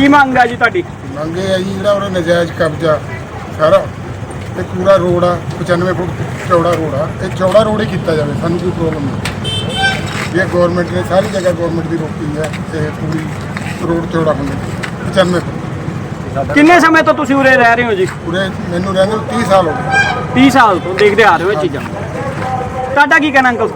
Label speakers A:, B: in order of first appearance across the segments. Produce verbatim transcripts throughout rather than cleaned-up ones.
A: ਕੀ ਮੰਗ ਹੈ ਜੀ ਤੁਹਾਡੀ?
B: ਮੰਗ ਇਹ ਹੈ ਜੀ ਜਿਹੜਾ ਉਹਦਾ ਨਜਾਇਜ਼ ਕਬਜ਼ਾ ਸਾਰਾ ਤੇ ਪੂਰਾ ਰੋਡ ਆ ਪਚਾਨਵੇਂ ਫੁੱਟ ਚੌੜਾ ਰੋਡ ਆ, ਇਹ ਚੌੜਾ ਰੋਡ ਹੀ ਕੀਤਾ ਜਾਵੇ। ਸਾਨੂੰ ਕੋਈ ਪ੍ਰੋਬਲਮ ਨਹੀਂ। ਇਹ ਗੌਰਮੈਂਟ ਨੇ ਸਾਰੀ ਜਗ੍ਹਾ ਗੌਰਮੈਂਟ ਦੀ ਰੋਕੀ ਹੈ ਤੇ ਪੂਰੀ ਰੋਡ ਚੌੜਾ ਹੋਣਾ ਪਚਾਨਵੇਂ ਫੁੱਟ।
A: ਕਿੰਨੇ ਸਮੇਂ ਤੋਂ ਤੁਸੀਂ ਉਰੇ ਰਹਿ ਰਹੇ ਹੋ ਜੀ?
B: ਪੂਰੇ ਮੈਨੂੰ ਰਹਿੰਦੇ ਨੂੰ ਤੀਹ ਸਾਲ ਹੋ ਗਏ।
A: ਤੀਹ ਸਾਲ ਤੋਂ ਦੇਖਦੇ ਆ ਰਹੇ ਹੋ ਇਹ ਚੀਜ਼ਾਂ। ਤੁਹਾਡਾ ਕੀ ਕਹਿਣਾ ਅੰਕਲ?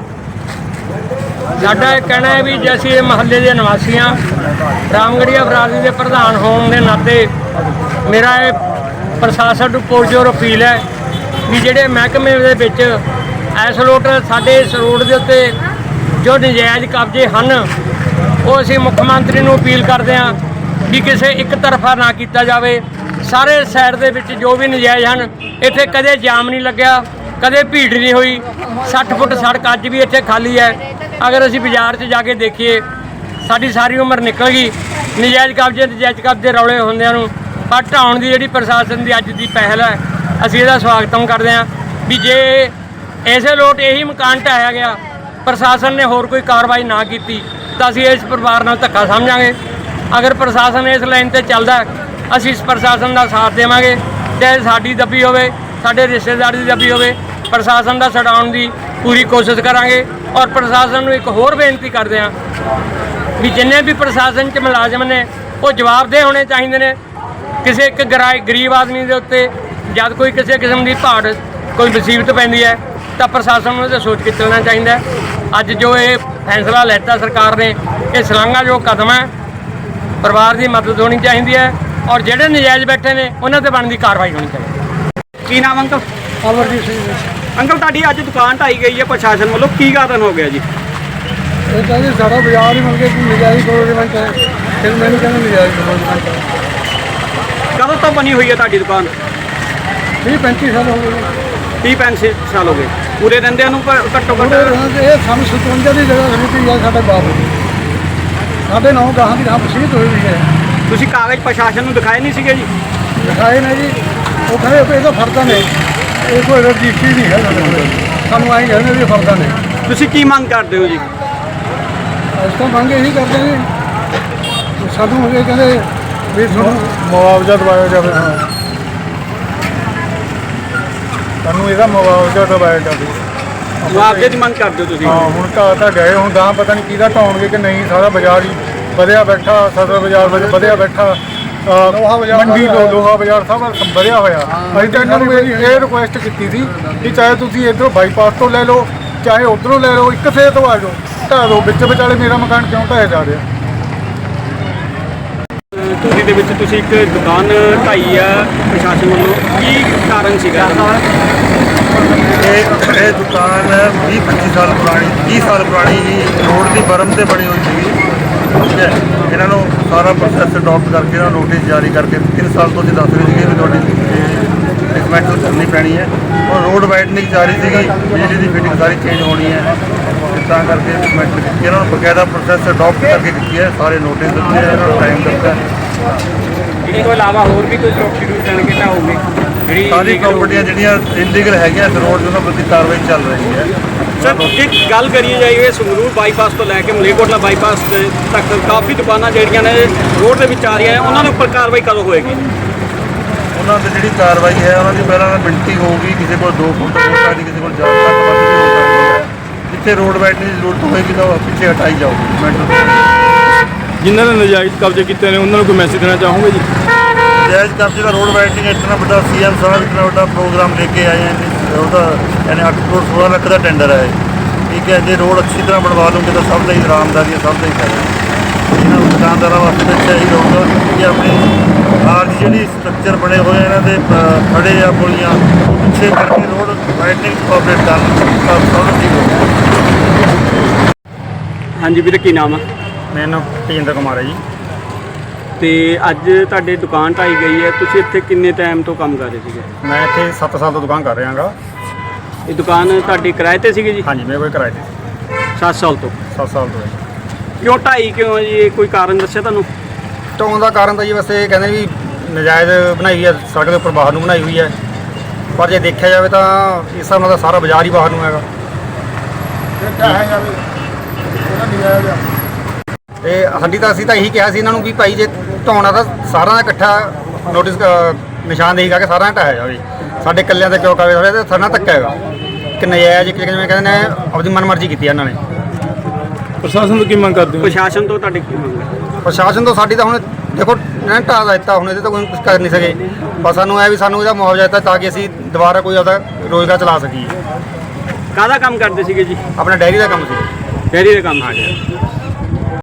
C: ਸਾਡਾ ਇਹ ਕਹਿਣਾ ਹੈ ਵੀ ਜੇ ਅਸੀਂ ਇਹ ਮਹੱਲੇ ਦੇ ਨਿਵਾਸੀ ਹਾਂ, ਰਾਮਗੜੀਆ ਬਰਾਦਰੀ ਦੇ ਪ੍ਰਧਾਨ ਹੋਣ ਦੇ ਨਾਤੇ ਮੇਰਾ ਇਹ ਪ੍ਰਸ਼ਾਸਨ ਨੂੰ ਪੁਰਜੋਰ ਅਪੀਲ ਹੈ ਵੀ ਜਿਹੜੇ ਮਹਿਕਮੇ ਦੇ ਵਿੱਚ ਇਸ ਲੋਟ ਸਾਡੇ ਇਸ ਰੋਡ ਦੇ ਉੱਤੇ ਜੋ ਨਜਾਇਜ਼ ਕਬਜ਼ੇ ਹਨ, ਉਹ ਅਸੀਂ ਮੁੱਖ ਮੰਤਰੀ ਨੂੰ ਅਪੀਲ ਕਰਦੇ ਹਾਂ ਵੀ ਕਿਸੇ ਇੱਕ ਤਰਫਾ ਨਾ ਕੀਤਾ ਜਾਵੇ। ਸਾਰੇ ਸਾਈਡ ਦੇ ਵਿੱਚ ਜੋ ਵੀ ਨਜਾਇਜ਼ ਹਨ, ਇੱਥੇ ਕਦੇ ਜਾਮ ਨਹੀਂ ਲੱਗਿਆ, ਕਦੇ ਭੀੜ ਨਹੀਂ ਹੋਈ। ਸੱਠ ਫੁੱਟ ਸੜਕ ਅੱਜ ਵੀ ਇੱਥੇ ਖਾਲੀ ਹੈ। ਅਗਰ ਅਸੀਂ ਬਾਜ਼ਾਰ 'ਚ ਜਾ ਕੇ ਦੇਖੀਏ, ਸਾਡੀ ਸਾਰੀ ਉਮਰ ਨਿਕਲ ਗਈ ਨਜਾਇਜ਼ ਕਬਜ਼ੇ ਨਜਾਇਜ਼ ਕਬਜ਼ੇ ਰੌਲੇ ਹੁੰਦਿਆਂ ਨੂੰ। ਪਰ ਢਾਉਣ ਦੀ ਜਿਹੜੀ ਪ੍ਰਸ਼ਾਸਨ ਦੀ ਅੱਜ ਦੀ ਪਹਿਲ ਹੈ, ਅਸੀਂ ਇਹਦਾ ਸਵਾਗਤਮ ਕਰਦੇ ਹਾਂ ਵੀ ਜੇ ਇਸੇ ਲੋਟ ਇਹੀ ਮਕਾਨ ਢਾਹਿਆ ਗਿਆ, ਪ੍ਰਸ਼ਾਸਨ ਨੇ ਹੋਰ ਕੋਈ ਕਾਰਵਾਈ ਨਾ ਕੀਤੀ ਤਾਂ ਅਸੀਂ ਇਸ ਪਰਿਵਾਰ ਨਾਲ ਧੱਕਾ ਸਮਝਾਂਗੇ। ਅਗਰ ਪ੍ਰਸ਼ਾਸਨ ਇਸ ਲਾਈਨ 'ਤੇ ਚੱਲਦਾ, ਅਸੀਂ ਇਸ ਪ੍ਰਸ਼ਾਸਨ ਦਾ ਸਾਥ ਦੇਵਾਂਗੇ। ਚਾਹੇ ਸਾਡੀ ਦੱਬੀ ਹੋਵੇ, ਸਾਡੇ ਰਿਸ਼ਤੇਦਾਰ ਦੀ ਦੱਬੀ ਹੋਵੇ, ਪ੍ਰਸ਼ਾਸਨ ਦਾ ਛਡਾਉਣ ਦੀ ਪੂਰੀ ਕੋਸ਼ਿਸ਼ ਕਰਾਂਗੇ। ਔਰ ਪ੍ਰਸ਼ਾਸਨ ਨੂੰ ਇੱਕ ਹੋਰ ਬੇਨਤੀ ਕਰਦੇ ਹਾਂ ਵੀ ਜਿੰਨੇ ਵੀ ਪ੍ਰਸ਼ਾਸਨ 'ਚ ਮੁਲਾਜ਼ਮ ਨੇ ਉਹ ਜਵਾਬਦੇਹ ਹੋਣੇ ਚਾਹੀਦੇ ਨੇ। ਕਿਸੇ ਇੱਕ ਗਰਾਈ ਗਰੀਬ ਆਦਮੀ ਦੇ ਉੱਤੇ ਜਦ ਕੋਈ ਕਿਸੇ ਕਿਸਮ ਦੀ ਭਾੜ ਕੋਈ ਮੁਸੀਬਤ ਪੈਂਦੀ ਹੈ ਤਾਂ ਪ੍ਰਸ਼ਾਸਨ ਨੂੰ ਇਹਦੇ ਸੋਚ ਕੇ ਚੱਲਣਾ ਚਾਹੀਦਾ। ਅੱਜ ਜੋ ਇਹ ਫੈਸਲਾ ਲੈਤਾ ਸਰਕਾਰ ਨੇ, ਇਹ ਸ਼ਲਾਘਾਯੋਗ ਕਦਮ ਹੈ। ਪਰਿਵਾਰ ਦੀ ਮਦਦ ਹੋਣੀ ਚਾਹੀਦੀ ਹੈ ਔਰ ਜਿਹੜੇ ਨਜਾਇਜ਼ ਬੈਠੇ ਨੇ ਉਹਨਾਂ ਤੇ ਬਣਦੀ ਕਾਰਵਾਈ ਹੋਣੀ ਚਾਹੀਦੀ।
A: ਕੀ ਨਾਮ ਅੰਕਲ?
D: ਅਮਰਜੀਤ ਸਿੰਘ ਜੀ।
A: ਅੰਕਲ ਤੁਹਾਡੀ ਅੱਜ ਦੁਕਾਨ ਢਾਈ ਗਈ ਹੈ ਪ੍ਰਸ਼ਾਸਨ ਵੱਲੋਂ, ਕੀ ਕਾਰਨ ਹੋ ਗਿਆ ਜੀ?
D: ਇਹ ਕਹਿੰਦੇ ਸਾਡਾ ਬਾਜ਼ਾਰ ਹੀ ਮਿਲ ਗਿਆ ਕਿ ਨਜਾਇਜ਼ ਗਵਰਨਮੈਂਟ ਹੈ, ਫਿਰ ਮੈਨੂੰ ਕਹਿੰਦੇ ਨਜਾਇਜ਼ ਗਵਰਨਮੈਂਟ ਹੈ।
A: ਕਦੋਂ ਤੋਂ ਬਣੀ ਹੋਈ ਹੈ ਤੁਹਾਡੀ ਦੁਕਾਨ?
D: ਵੀਹ ਪੈਂਤੀ ਸਾਲ ਹੋ ਗਏ।
A: ਤੀਹ ਪੈਂਤੀ ਸਾਲ ਹੋ ਗਏ ਪੂਰੇ ਰਹਿੰਦਿਆਂ ਨੂੰ। ਘੱਟੋ ਘੱਟ
D: ਇਹ ਸਾਨੂੰ ਸਤਵੰਜਾ ਦੀ ਜਗ੍ਹਾ ਖਰੀਦੀ ਹੈ ਸਾਡੇ ਬਾਪ ਦੀ। ਸਾਡੇ ਨੌ ਗਾਹਾਂ ਦੀ ਰਾਹ ਵਸੀਅਤ ਹੋਈ ਹੋਈ ਹੈ।
A: ਤੁਸੀਂ ਕਾਗਜ਼ ਪ੍ਰਸ਼ਾਸਨ ਨੂੰ ਦਿਖਾਏ ਨਹੀਂ ਸੀਗੇ ਜੀ?
D: ਦਿਖਾਏ ਨੇ ਜੀ, ਉਹ ਕਹਿੰਦੇ ਇਹਦਾ ਫਰਦਾ ਨੇ, ਇਹ ਕੋਈ ਰਜਿਸਟਰੀ ਨਹੀਂ ਹੈ ਸਾਡੇ ਕੋਲ। ਸਾਨੂੰ ਆਈ ਕਹਿੰਦੇ ਵੀ ਫਰਦਾ ਨੇ।
A: ਤੁਸੀਂ ਕੀ ਮੰਗ ਕਰਦੇ ਹੋ ਜੀ?
D: ਅਸੀਂ ਤਾਂ ਮੰਗ ਇਹੀ ਕਰਦੇ ਜੀ, ਸਾਨੂੰ ਇਹ ਕਹਿੰਦੇ ਵੀ ਤੁਹਾਨੂੰ
B: ਮੁਆਵਜ਼ਾ ਦਿਵਾਇਆ ਜਾਵੇ। ਸਾਨੂੰ ਇਹਦਾ ਮੁਆਵਜ਼ਾ ਦਿਵਾਇਆ ਜਾਵੇ।
A: ਮੁਆਵਜ਼ੇ ਦੀ ਮੰਗ ਕਰਦੇ ਹੋ ਤੁਸੀਂ?
B: ਹਾਂ, ਹੁਣ ਤਾਂ ਤਾਂ ਗਏ, ਹੁਣ ਗਾਂ ਪਤਾ ਨਹੀਂ ਕਿਹਦਾ ਢਾਉਣਗੇ ਕਿ ਨਹੀਂ। ਸਾਰਾ ਬਾਜ਼ਾਰ ਹੀ ਵਧਿਆ ਬੈਠਾ, ਸਦਰ ਬਾਜ਼ਾਰ ਵਿੱਚ ਵਧਿਆ ਬੈਠਾ, ਮੰਡੀ ਤੋਂ ਲੋਹਾ ਬਾਜ਼ਾਰ ਸਭ ਵਧਿਆ ਹੋਇਆ। ਅਸੀਂ ਤਾਂ ਇਹਨਾਂ ਨੂੰ ਇਹ ਰਿਕੁਐਸਟ ਕੀਤੀ ਸੀ ਕਿ ਚਾਹੇ ਤੁਸੀਂ ਇੱਧਰੋਂ ਬਾਈਪਾਸ ਤੋਂ ਲੈ ਲਓ, ਚਾਹੇ ਉੱਧਰੋਂ ਲੈ ਲਓ, ਇੱਕ ਸੇ ਤੋਂ ਆ ਜਾਓ, ਢਾਹ ਦਿਓ। ਵਿੱਚ ਵਿਚਾਲੇ ਮੇਰਾ ਮਕਾਨ ਕਿਉਂ ਢਾਇਆ ਜਾ ਰਿਹਾ?
A: ਧੂਰੀ ਦੇ ਵਿੱਚ ਤੁਸੀਂ ਇੱਕ ਦੁਕਾਨ ਢਾਈ ਆ ਪ੍ਰਸ਼ਾਸਨ ਵੱਲੋਂ, ਕੀ ਕਾਰਨ ਸੀਗਾ?
E: ਇਹ ਇਹ ਦੁਕਾਨ ਵੀਹ ਪੱਚੀ ਸਾਲ ਪੁਰਾਣੀ, ਵੀਹ ਸਾਲ ਪੁਰਾਣੀ ਹੀ ਰੋਡ ਦੀ ਬਰਮ 'ਤੇ ਬਣੀ ਹੋਈ ਸੀਗੀ। ਠੀਕ ਹੈ, ਇਹਨਾਂ ਨੂੰ ਸਾਰਾ ਪ੍ਰੋਸੈਸ ਅਡੋਪਟ ਕਰਕੇ ਇਹਨਾਂ ਨੋਟਿਸ ਜਾਰੀ ਕਰਕੇ ਤਿੰਨ ਸਾਲ ਤੋਂ ਅਸੀਂ ਦੱਸ ਰਹੇ ਸੀਗੇ ਵੀ ਤੁਹਾਡੀ ਡਿਸਮੈਂਟਲ ਕਰਨੀ ਪੈਣੀ ਹੈ। ਔਰ ਰੋਡ ਵਾਈਡਨਿੰਗ ਜਾਰੀ ਸੀਗੀ, ਬਿਜਲੀ ਦੀ ਫਿਟਿੰਗ ਸਾਰੀ ਚੇਂਜ ਹੋਣੀ ਹੈ, ਤਾਂ ਕਰਕੇ ਡਿਸਮੈਂਟਲ ਕੀਤੀ। ਇਹਨਾਂ ਨੂੰ ਬਕਾਇਦਾ ਪ੍ਰੋਸੈਸ ਅਡੋਪਟ ਕਰਕੇ ਕੀਤੀ ਹੈ, ਸਾਰੇ ਨੋਟਿਸ ਦਿੱਤੇ, ਇਹਨਾਂ ਨੂੰ ਟਾਈਮ ਦਿੱਤਾ।
A: ਇਸ ਤੋਂ ਇਲਾਵਾ ਹੋਰ ਵੀ ਕੋਈ ਪ੍ਰੋਪਰਟੀ ਨੂੰ ਜਾਣ ਕੇ ਢਾਓਗੇ? ਜਿਹੜੀ
E: ਸਾਰੀ ਪ੍ਰਾਪਰਟੀਆਂ ਜਿਹੜੀਆਂ ਇਲੀਗਲ ਹੈਗੀਆਂ ਇਸ ਰੋਡ 'ਤੇ ਉਹਨਾਂ ਪ੍ਰਤੀ ਕਾਰਵਾਈ ਚੱਲ ਰਹੀ ਹੈ।
A: ਸਰ, ਜੇ ਗੱਲ ਕਰੀਏ ਜਾਈਏ ਸੰਗਰੂਰ ਬਾਈਪਾਸ ਤੋਂ ਲੈ ਕੇ ਮਲੇਰਕੋਟਲਾ ਬਾਈਪਾਸ ਤੱਕ ਕਾਫੀ ਦੁਕਾਨਾਂ ਜਿਹੜੀਆਂ ਨੇ ਰੋਡ ਦੇ ਵਿੱਚ ਆ ਰਹੀਆਂ, ਉਹਨਾਂ ਦੇ ਉੱਪਰ ਕਾਰਵਾਈ ਕਦੋਂ ਹੋਏਗੀ?
E: ਉਹਨਾਂ 'ਤੇ ਜਿਹੜੀ ਕਾਰਵਾਈ ਹੈ ਉਹਨਾਂ ਦੀ ਪਹਿਲਾਂ ਮਿਣਤੀ ਹੋਊਗੀ। ਕਿਸੇ ਕੋਲ ਦੋ ਫੁੱਟ ਹੋ ਸਕਦੀ, ਕਿਸੇ ਕੋਲ ਜ਼ਿਆਦਾ ਤੱਕ ਵੱਧ ਵੀ ਹੋ ਸਕਦੀ ਹੈ। ਜਿੱਥੇ ਰੋਡ ਵਾਈਡਨਿੰਗ ਦੀ ਜ਼ਰੂਰਤ ਹੋਏਗੀ ਤਾਂ ਉਹ ਪਿੱਛੇ ਹਟਾਈ ਜਾਊਗੀ।
F: ਜਿਨ੍ਹਾਂ ਨੇ ਨਜਾਇਜ਼ ਕਬਜ਼ੇ ਕੀਤੇ ਨੇ ਉਹਨਾਂ ਨੂੰ ਕੋਈ ਮੈਸੇਜ ਦੇਣਾ ਚਾਹੋਗੇ ਜੀ?
E: ਨਜਾਇਜ਼ ਕਬਜ਼ੇ ਦਾ ਰੋਡ ਵਾਈਡਨਿੰਗ ਇਤਨਾ ਵੱਡਾ ਸੀ ਐਮ ਸਾਹਿਬ ਇਤਨਾ ਵੱਡਾ ਪ੍ਰੋਗਰਾਮ ਲੈ ਕੇ ਆਏ ਹਨ। ਉਹਦਾ ਯਾਨੀ ਅੱਠ ਕਰੋੜ ਸੋਲਾਂ ਲੱਖ ਦਾ ਟੈਂਡਰ ਹੈ। ਠੀਕ ਹੈ, ਜੇ ਰੋਡ ਅੱਛੀ ਤਰ੍ਹਾਂ ਬਣਵਾ ਲਓਗੇ ਤਾਂ ਸਭ ਦਾ ਹੀ ਆਰਾਮਦਾਰੀ ਹੈ, ਸਭ ਦਾ ਹੀ ਫਾਇਦਾ ਹੈ। ਇਹਨਾਂ ਨੂੰ ਦੁਕਾਨਦਾਰਾਂ ਵਾਸਤੇ ਤਾਂ ਅੱਛਾ ਹੀ ਰਹੂਗਾ ਕਿ ਆਪਣੀ ਆਰ ਜਿਹੜੀ ਸਟਰਕਚਰ ਬਣੇ ਹੋਏ ਇਹਨਾਂ ਦੇ ਖੜੇ ਆ ਪੁਲੀਆਂ ਪਿੱਛੇ ਕਰਕੇ ਰੋਡ ਵਾਈਡਨਿੰਗ ਕੋਆਪਰੇਟ ਕਰਨ ਤਾਂ ਸਭ ਠੀਕ ਹੋਊਗਾ।
A: ਹਾਂਜੀ ਵੀਰੇ, ਕੀ ਨਾਮ ਆ?
E: ਮੇਰਾ ਨਾਮ ਤੇਜਿੰਦਰ ਕੁਮਾਰ ਹੈ ਜੀ।
A: ਤੇ ਅੱਜ ਤੁਹਾਡੇ ਦੁਕਾਨ ਢਾਈ ਗਈ ਹੈ, ਤੁਸੀਂ ਇੱਥੇ ਕਿੰਨੇ ਟਾਈਮ ਤੋਂ ਕੰਮ ਕਰ ਰਹੇ ਸੀਗੇ?
E: ਮੈਂ ਇੱਥੇ ਸੱਤ ਸਾਲ ਤੋਂ ਦੁਕਾਨ ਕਰ ਰਿਹਾ ਹਾਂ।
A: ਇਹ ਦੁਕਾਨ ਤੁਹਾਡੀ ਕਿਰਾਏ ਤੇ ਸੀਗੀ ਜੀ?
E: ਹਾਂਜੀ, ਮੇਰੇ ਕੋਲ ਕਿਰਾਏ ਤੇ
A: ਸੱਤ ਸਾਲ ਤੋਂ।
E: ਸੱਤ ਸਾਲ ਤੋਂ ਹੈ।
A: ਕਿਉਂ ਢਾਈ ਕਿਉਂ ਜੀ? ਇਹ ਕੋਈ ਕਾਰਨ ਦੱਸਿਆ ਤੁਹਾਨੂੰ?
E: ਢਾਉਣ ਦਾ ਕਾਰਨ ਤਾਂ ਜੀ ਵੈਸੇ ਇਹ ਕਹਿੰਦੇ ਵੀ ਨਜਾਇਜ਼ ਬਣਾਈ ਹੋਈ ਹੈ, ਸੜਕ ਦੇ ਉੱਪਰ ਬਾਹਰ ਨੂੰ ਬਣਾਈ ਹੋਈ ਹੈ। ਪਰ ਜੇ ਦੇਖਿਆ ਜਾਵੇ ਤਾਂ ਇਸ ਹਿਸਾਬ ਨਾਲ ਤਾਂ ਸਾਰਾ ਬਾਜ਼ਾਰ ਹੀ ਬਾਹਰ ਨੂੰ ਹੈਗਾ। ਤੇ ਸਾਡੀ ਤਾਂ ਅਸੀਂ ਤਾਂ ਇਹੀ ਕਿਹਾ ਸੀ ਇਹਨਾਂ ਨੂੰ ਵੀ ਭਾਈ ਜੇ
G: ਢਾਉਣਾ ਤਾਂ ਸਾਰਿਆਂ ਦਾ ਇਕੱਠਾ ਨੋਟਿਸ ਨਿਸ਼ਾਨਦੇਹੀ ਕਰਕੇ ਸਾਰਿਆਂ ਦਾ ਢਾਇਆ ਜਾਵੇ। ਸਾਡੇ ਇਕੱਲਿਆਂ ਤੇ ਕਿਉਂ ਕਾਵੇ ਹੋਇਆ ਤੇ ਸਾਡਾ ਧੱਕਾ ਹੈਗਾ ਕਿ ਨਜਾਇਜ਼ ਇੱਕ ਜਿਵੇਂ ਕਹਿੰਦੇ ਨੇ ਆਪਣੀ ਮਨਮਰਜ਼ੀ ਕੀਤੀ ਇਹਨਾਂ ਨੇ।
F: ਪ੍ਰਸ਼ਾਸਨ ਤੋਂ ਕੀ ਮੰਗ ਕਰਦੇ ਹੋ?
A: ਪ੍ਰਸ਼ਾਸਨ ਤੋਂ ਤੁਹਾਡੇ ਕੀ ਮੰਗ ਹੈ?
G: ਪ੍ਰਸ਼ਾਸਨ ਤੋਂ ਸਾਡੀ ਤਾਂ ਹੁਣ ਦੇਖੋ ਇਹਨਾਂ ਨੇ ਢਾਹ ਦਿੱਤਾ, ਹੁਣ ਇਹਦੇ ਤੋਂ ਕੋਈ ਕੁਝ ਕਰ ਨਹੀਂ ਸਕੇ। ਪਰ ਸਾਨੂੰ ਇਹ ਵੀ ਸਾਨੂੰ ਇਹਦਾ ਮੁਆਵਜ਼ਾ ਦਿੱਤਾ ਤਾਂ ਕਿ ਅਸੀਂ ਦੁਬਾਰਾ ਕੋਈ ਆਪਦਾ ਰੋਜ਼ਗਾਰ ਚਲਾ ਸਕੀਏ।
A: ਕਾਹਦਾ ਕੰਮ ਕਰਦੇ ਸੀਗੇ ਜੀ?
G: ਆਪਣਾ ਡੈਰੀ ਦਾ ਕੰਮ ਸੀ।
A: ਡੈਰੀ ਦਾ ਕੰਮ ਆ ਗਿਆ।